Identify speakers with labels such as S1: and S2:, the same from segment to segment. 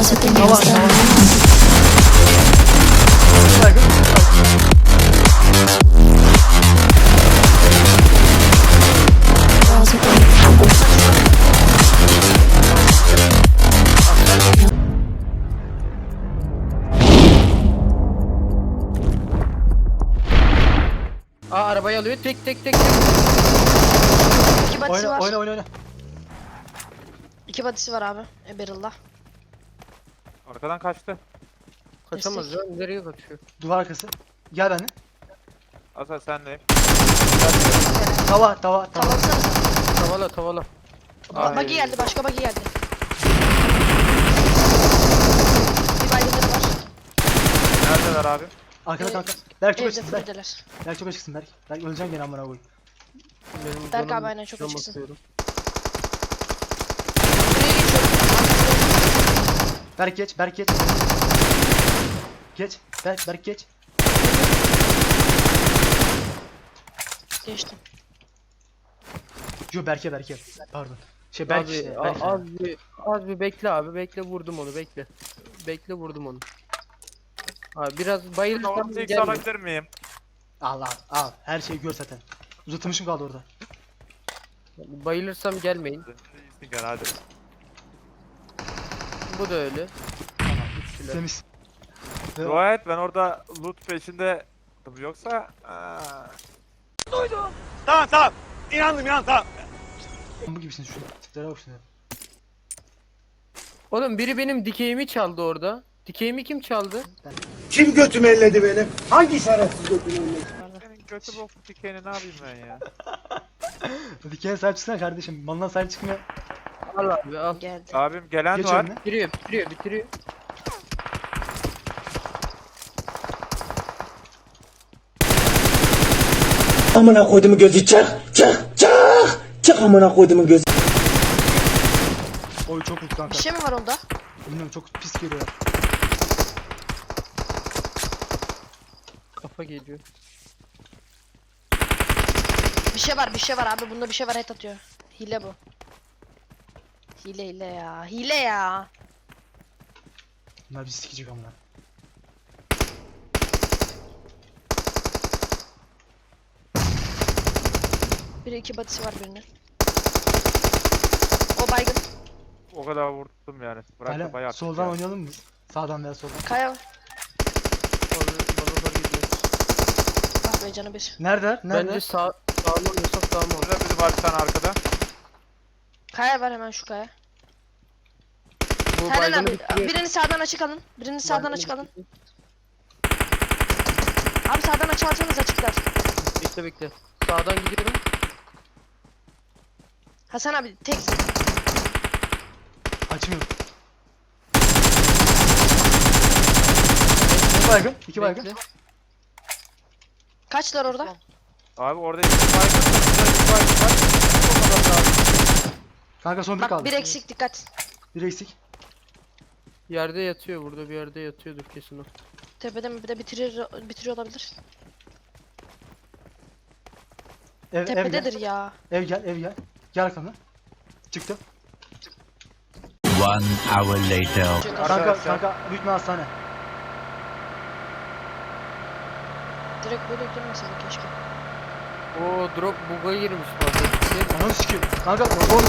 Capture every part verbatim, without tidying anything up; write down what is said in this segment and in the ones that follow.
S1: Girls with the
S2: Tamam,
S1: nails
S2: tamam.
S1: done.
S2: Saygı.
S1: Girls with the
S3: Aa arabayı alıyor tek tek tek.
S4: İki badisi
S2: Oyna
S4: var.
S2: oyna oyna oyna.
S4: İki badisi var abi. E, Barrel'da.
S5: Arkadan kaçtı.
S3: Kaçamaz ya, nereye kaçıyor?
S2: Duvar arkası. Gel benimle.
S5: Hasan sendeyim.
S2: Tava tava tava.
S4: Tavalsanıza.
S3: Tavala tavala.
S4: Ba buggy geldi. Başka buggy geldi. Bir baygınları var.
S5: Neredeler abi?
S2: Arkada
S4: Ee,
S2: kanka. Berk çok
S4: Evde
S2: açıksın Berk.
S4: fırdeler.
S2: Berk çok açıksın Berk. Berk öleceksin gene amına koyayım.
S3: Benim
S4: Berk
S3: canım
S4: abi aynen çok
S3: can
S4: açıksın.
S3: basıyorum.
S4: Buraya geçiyorum.
S2: Berk geç Berk geç. Geç. Berk Berk geç.
S4: Geçtim.
S2: Yo Berke Berke. Pardon. Şey Berk
S3: Abi
S2: işte.
S3: a-
S2: Berk.
S3: az bir az bir bekle abi, bekle vurdum onu, bekle. Bekle vurdum onu. Abi biraz bayılırsam
S5: Orada ilk
S3: gelme.
S5: alabilir miyim?
S2: Al al al. Her şeyi gör zaten. Uzatılmışım kaldı orada.
S3: Bayılırsam gelmeyin.
S5: İyisin gel hadi.
S3: Bu da öyle.
S2: Tamam.
S3: Üçlüler.
S2: Temiz. Ve-
S5: Dua et ben orada loot peşinde yoksa aa,
S2: Bu gibisin şu tiplere bak şuna.
S3: Oğlum biri benim dikeyimi çaldı orada. Dikeyimi kim çaldı?
S6: Kim götümü elledi benim? Hangi şerefsiz götümü elledi?
S5: senin götü bok dikeni ne yapayım ben ya?
S2: Dikene sahip çıksana kardeşim. Malına sahip çıkmıyor.
S3: Al abi al.
S4: Geldi.
S5: Abim gelen
S2: Geç
S5: var.
S2: önüne.
S3: Bitiriyor bitiriyor bitiriyor.
S6: Amına koyduğumu gözü çık çık çık çık amına koyduğumu gözü.
S2: Oy çok mutlu kanka.
S4: Bir şey mi var onda?
S2: Bilmiyorum çok pis geliyor.
S3: Kafa geliyor.
S4: Bir şey var, bir şey var abi. Bunda bir şey var, head atıyor. Hile bu. Hile hile ya. Hile ya.
S2: Bunlar bizi sikecek amına.
S4: Biri iki badisi var birinin. O baygın.
S5: O kadar vurdum yani. Bırak da
S2: Hala
S5: bayağı.
S2: soldan
S5: ya.
S2: oynayalım mı? Sağdan veya soldan.
S4: Kaya.
S3: Bana, bana da gidiyor.
S4: Ah be canı bir.
S2: Nerede? Nerede?
S3: Bence sağ sağ mı oynasak sağ mı?
S5: Burada biri var bir tane arkada.
S4: Kaya var hemen şu kaya.
S3: Bu
S4: Senden
S3: baygını
S4: abi.
S3: bitiriyor.
S4: Birini sağdan açık alın. Birini sağdan
S3: Baygını
S4: açık alın.
S3: bitiriyor.
S4: Abi sağdan açık alsanız açıklar.
S3: Bekle bekle. Sağdan gidiyorum.
S4: Hasan abi tek.
S2: Açmıyorum. İki baygın. iki baygın.
S3: Bekle.
S4: Kaçlar orada?
S5: Abi orada iki baygın var. Burada iki baygın var. O kadar lazım.
S2: Kanka son bir
S4: Bak
S2: kaldı.
S4: bir eksik dikkat.
S2: Bir eksik.
S3: Yerde yatıyor, burada bir yerde yatıyordur kesin o.
S4: Tepede mi bir de bitirir bitiriyor olabilir.
S2: Ev, ev gel.
S4: Tepededir ya.
S2: Ev gel, ev gel. Gel arkamdan. Çıktım.
S7: One hour later.
S2: Kanka,
S5: Arkadaşlar.
S2: kanka büyük bir hastane.
S4: Direkt böyle girmesin keşke.
S3: Oo drop bug'a girmiş fazla. Gel.
S2: Ananı sikeyim. Kanka son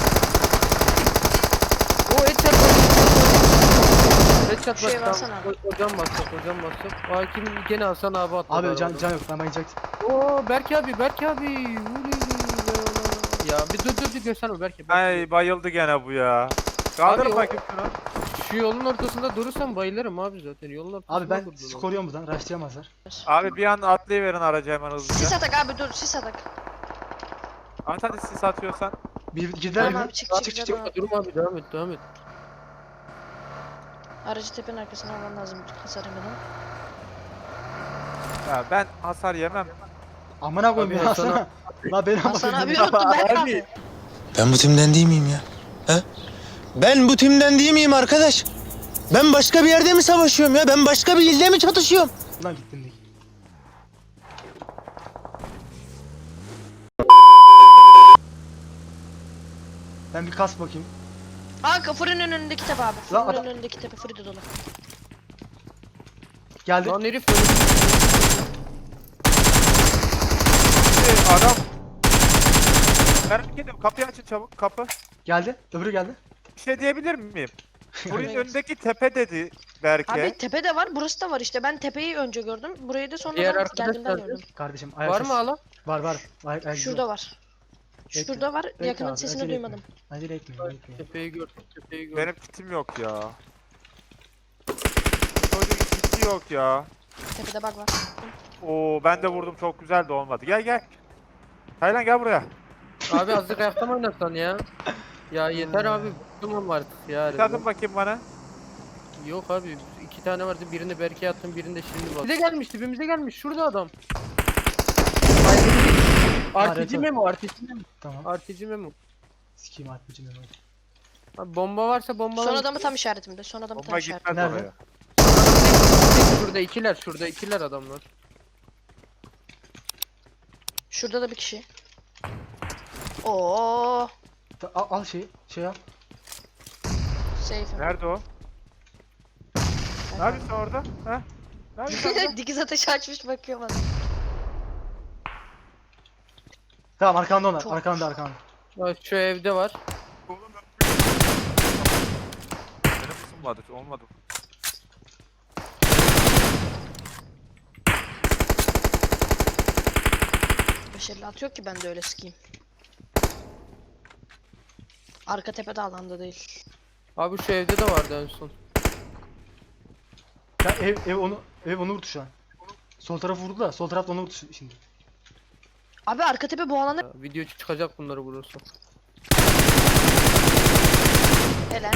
S3: O headshot bak. Headshot
S4: Şey
S3: bak.
S4: versene
S3: Tamam. O- Hocam basacak, hocam basacak. Hakim gene Hasan abi atladı.
S2: Abi can,
S3: arabadan.
S2: can yok ben bayılacaktım.
S3: Oo Berk abi, Berk abi. Uley, ya bir dur dur dur gösterme Berk abi.
S5: Ay bayıldı gene bu ya. Kaldır
S3: Abi o-
S5: bakayım şunu.
S3: Şu yolun ortasında durursam bayılırım abi zaten. Yolun ortasında
S2: Abi ben
S3: durdum.
S2: sizi koruyorum buradan. Rushlayamazlar.
S5: Abi bir an atlayıverin aracı hemen hızlıca.
S4: Sis atak abi dur sis atak.
S5: At hadi sis atıyorsan.
S2: Bir girdiler
S4: Tamam
S2: mi?
S4: abi çık
S2: Çık
S4: çık
S2: çık
S4: çık.
S2: çık.
S3: Durma abi, devam et devam et.
S4: Aracı tepenin arkasına alman lazım hasar yemeden.
S5: Ya ben hasar yemem.
S2: Amına koyayım
S3: Abi
S2: ya
S3: Hasan
S2: sana. La beni
S4: Hasan
S2: ama
S4: abi unuttum Berk abi.
S6: Ben bu timden değil miyim ya? He? Ben bu timden değil miyim arkadaş? Ben başka bir yerde mi savaşıyorum ya? Ben başka bir ilde mi çatışıyorum?
S2: Ulan gittim değil. Ben bir kas bakayım.
S4: Kanka fırının önündeki tepe abi.
S2: Lan
S4: Fırının
S2: adam-
S4: önündeki tepe fırı da dolu.
S2: Geldi.
S3: Lan herif öyle.
S5: Hey, adam. Merak ediyorum. Kapıyı açın çabuk. Kapı.
S2: Geldi. Öbürü geldi.
S5: Bir şey diyebilir miyim? Burayın
S4: Evet.
S5: önündeki tepe dedi Berke.
S4: Abi tepe de var, burası da var işte. Ben tepeyi önce gördüm. Burayı da
S3: Diğer
S4: sonradan
S3: arkadaş
S4: geldiğimden
S3: nerede?
S4: gördüm.
S2: Kardeşim ayak
S3: Var
S2: sesi.
S3: mı alan?
S2: Var var. Ayak, ayak
S4: Şurada var.
S2: Bekle.
S4: Şurada var.
S2: Bekle
S4: Yakının
S2: abi,
S4: sesini
S2: acele etme.
S4: duymadım.
S2: Acele etmeyin. bekleyin.
S3: Tepeyi gör. Tepeyi gör.
S5: Benim kitim yok ya. Çocuğun kiti yok ya.
S4: Tepede bug var.
S5: Oo ben de vurdum çok güzel de olmadı. Gel gel. Taylan gel buraya.
S3: Abi azıcık ayakta mı oynasan ya? Ya yeter abi. Bıktım artık ya.
S5: Bir tadın bakayım bana.
S3: Yok abi. iki tane vardı. Birini Berke'ye attım. Birini de şimdi bak. Bize gelmiş. Dibimize gelmiş. Şurada adam. Artıcı
S2: evet.
S3: memo. Artıcı memo.
S2: Tamam.
S3: Artıcı memo.
S2: Sikeyim arpacım ben.
S3: Abi bomba varsa bomba
S4: Son adamı tam işaretimde. Son adamı tam
S5: Bomba
S4: işaretimde.
S5: gitmez
S2: Nerede?
S5: oraya.
S3: Şurada ikiler. Şurada ikiler adamlar.
S4: Şurada da bir kişi. Oo,
S2: Ta- Al, al şeyi. Şey al.
S4: safe.
S5: Nerede o? Ne yapıyorsun orada? Ha? Ne yapıyorsun orada?
S4: Dikiz ateşi açmış bakıyor bana.
S2: Tamam arkanda onlar.
S4: Çok-
S2: Arkanda arkanda.
S3: Bak şu evde var.
S5: Oğlum ben- Benim ısınmadı. Olmadı.
S4: beş elli atıyor ki ben de öyle sıkayım. Arka tepede alanda değil.
S3: Abi şu evde de vardı en son.
S2: Ya ev, ev onu ev onu vurdu şu an. Sol tarafı vurdu da sol tarafta onu vurdu şi- şimdi.
S4: Abi arka tepe bu alanda
S3: Ya, video çıkacak bunları vurursa.
S4: helal.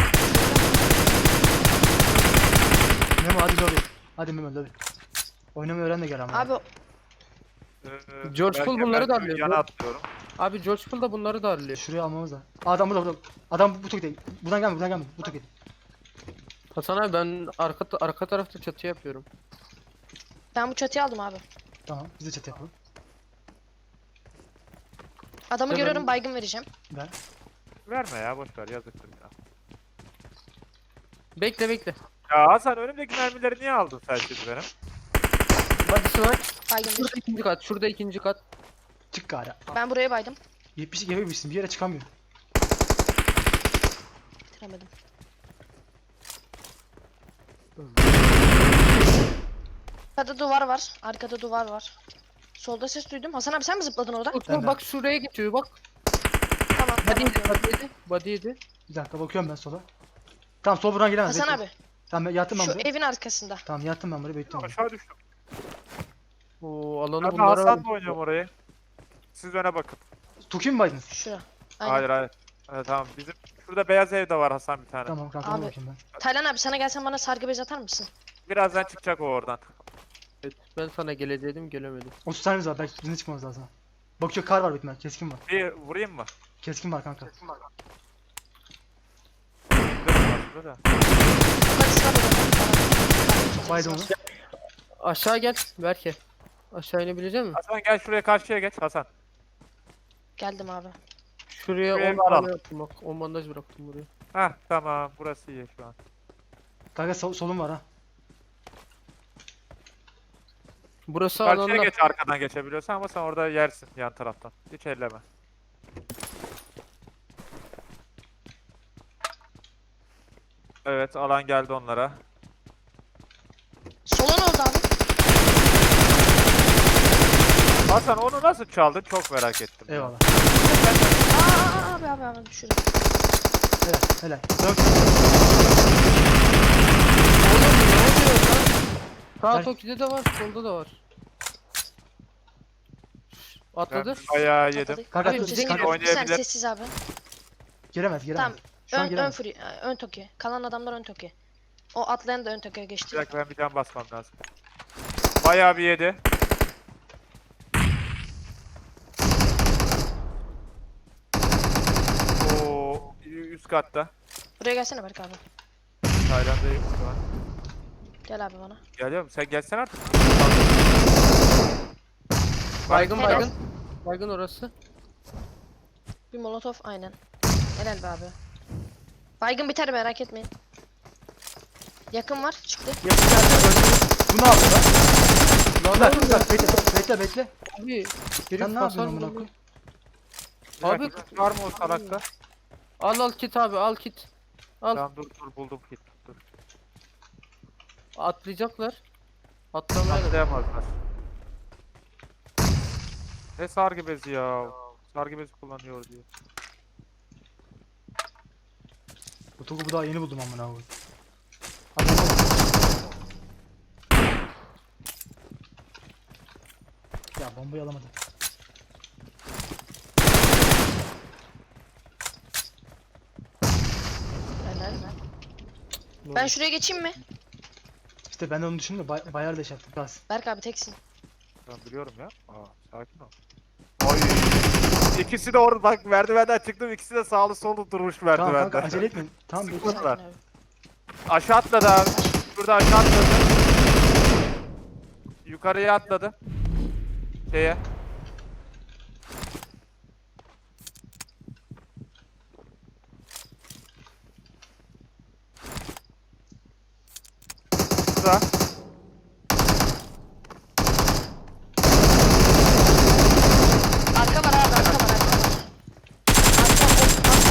S2: Memo hadi lobi. Hadi Memo lobi. Oynamayı öğren de gel ama.
S4: Abi
S5: Ee,
S3: George
S5: belki
S3: Poole bunları
S5: ben
S3: da alıyor.
S5: Yana atlıyorum.
S3: Abi George Poole da bunları da arlıyor.
S2: Şuraya almamız lazım. Aa, adam burada burada. Adam bu tokide. Buradan gelme buradan gelme. Bu tokide.
S3: Hasan abi ben arka ta- arka tarafta çatı yapıyorum.
S4: ben bu çatıyı aldım abi.
S2: Tamam biz de çatı yapalım.
S4: Adamı
S3: Hemen-
S4: görüyorum, baygın vereceğim.
S2: Ben.
S5: Verme ya boş ver yazıktır ya.
S3: Bekle bekle.
S5: Ya Hasan önümdeki mermileri niye aldın sen şimdi benim?
S3: Body'si var.
S4: Baygın
S3: Şurada
S4: bir.
S3: ikinci kat. Şurada ikinci kat.
S2: Çık gari.
S4: Ben buraya baydım.
S2: yetmiş iki yapabilirsin. Bir yere çıkamıyor.
S4: Bitiremedim. Arkada duvar var. Arkada duvar var. Solda ses duydum. Hasan abi sen mi zıpladın orada?
S3: Bak,
S2: Ben de.
S3: bak şuraya geçiyor bak.
S4: Tamam.
S3: Body
S4: tamam.
S3: yedi. Body yedi. Body yedi.
S2: Bir dakika bakıyorum ben sola. Tamam sol buradan gelemez.
S4: Hasan
S2: bekle.
S4: abi
S2: Tamam ben yattım ben
S4: şu
S2: buraya.
S4: evin arkasında.
S2: Tamam yattım ben buraya bekliyorum.
S5: Aşağı düştüm.
S3: Oo alanı
S5: Ben de
S3: bunlara
S5: Hasan'la oynuyorum orayı. Siz öne bakın.
S2: Tuki mi baydınız?
S4: Şura. Aynen.
S5: Hayır hayır. Evet, tamam bizim şurada beyaz evde var Hasan bir tane.
S2: Tamam kanka ona
S4: Abi.
S2: bakayım ben.
S4: Taylan abi sana gelsen bana sargı bez atar mısın?
S5: Birazdan çıkacak o oradan.
S3: Evet, ben sana gelecektim gelemedim.
S2: otuz tanemiz var. Belki birine çıkmamız lazım. Bakıyor kar var bitmez. Keskin var.
S5: Bir vurayım mı?
S2: Keskin var kanka.
S5: Dur, aslında da.
S4: Hadi sıra bakalım.
S2: Baydım onu.
S3: Aşağı gel Berke. Aşağı inebilecek misin?
S5: Hasan gel şuraya karşıya geç Hasan.
S4: Geldim abi.
S3: Şuraya
S5: Şuraya
S3: on
S5: bir alalım.
S3: tane yaptım bak. on bandaj bıraktım buraya.
S5: Hah tamam burası iyi şu an.
S2: Kanka sol, solum var ha.
S3: Burası
S5: Karşıya
S3: alanda.
S5: geç arkadan geçebiliyorsan ama sen orada yersin yan taraftan. Hiç elleme. Evet alan geldi onlara.
S4: Sola ne oldu abi?
S5: Hasan onu nasıl çaldın çok merak ettim. ya.
S2: Eyvallah.
S4: Aa abi abi abi düşürdüm.
S2: Helal helal. Dön.
S3: Sağ
S2: Gel.
S3: Toki'de de var, solda da var. Atladı.
S5: Ben bayağı yedim.
S4: Atladı.
S2: Kanka,
S4: Abi,
S2: dur,
S4: sesi
S2: kanka.
S4: geliyor. Bir saniye,
S5: Oynayabilir.
S4: sessiz abi.
S2: Gelemez gelemez.
S4: Tamam.
S2: Şu an
S4: Ön, ön
S2: gelemez.
S4: free, e, ön toki. Kalan adamlar ön toki. O atlayan da ön toki'ye
S5: Bir
S4: geçti.
S5: dakika ben bir can basmam lazım. Bayağı bir yedi. Oo üst katta.
S4: Buraya gelsene Berk abi.
S5: Tayland'dayım şu an.
S4: Gel abi bana.
S5: Geliyorum sen gelsen artık.
S3: Baygın
S4: Helal.
S3: baygın. Baygın orası.
S4: Bir molotof aynen. Helal be abi. Baygın biter merak etmeyin. Yakın var çıktı.
S2: Yakın geldi. Öldü. Bu ne yapıyor lan? Lan dur dur bekle bekle bekle.
S3: Abi.
S2: Sen
S3: Herif
S2: ne
S3: hasar
S2: yapıyorsun amına
S3: vuruyor.
S2: koyayım?
S5: Abi
S3: Abi-
S5: var mı o salakta?
S3: Al al kit abi al kit. Al.
S5: Tamam dur dur buldum kit. Dur.
S3: Atlayacaklar. Atlamaya da.
S5: Atlayamazlar. Ne sargı bezi ya. Sargı bezi kullanıyor diye.
S2: Bu topu daha yeni buldum amına koyayım. Hadi bakalım. Ya bombayı alamadım.
S4: Helal. Ben şuraya geçeyim mi?
S2: İşte ben de onu düşündüm de bay bayar deş yaptım. Bas.
S4: Berk abi teksin.
S5: Ben biliyorum ya. Aa sakin ol. Ay. İkisi de orada bak merdivenden çıktım. İkisi de sağlı sollu durmuş
S2: Tamam
S5: merdivende.
S2: kanka acele etmeyin. Tamam bekle.
S5: Sıkıntı var.
S4: Sakin abi.
S5: Aşağı atladı abi. Şurada aşağı atladı. Yukarıya atladı. Şeye. Burada.
S4: Arka var abi arka var arka var. Arka, arka, arka,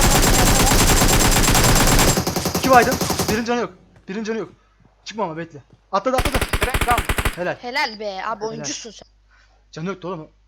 S2: İki baydım. Birinin canı yok. Birinin canı yok. Çıkma ama bekle. Atladı atladı.
S5: Direkt tam.
S2: Helal.
S4: Helal be abi oyuncusun sen.
S2: Canı yoktu oğlum.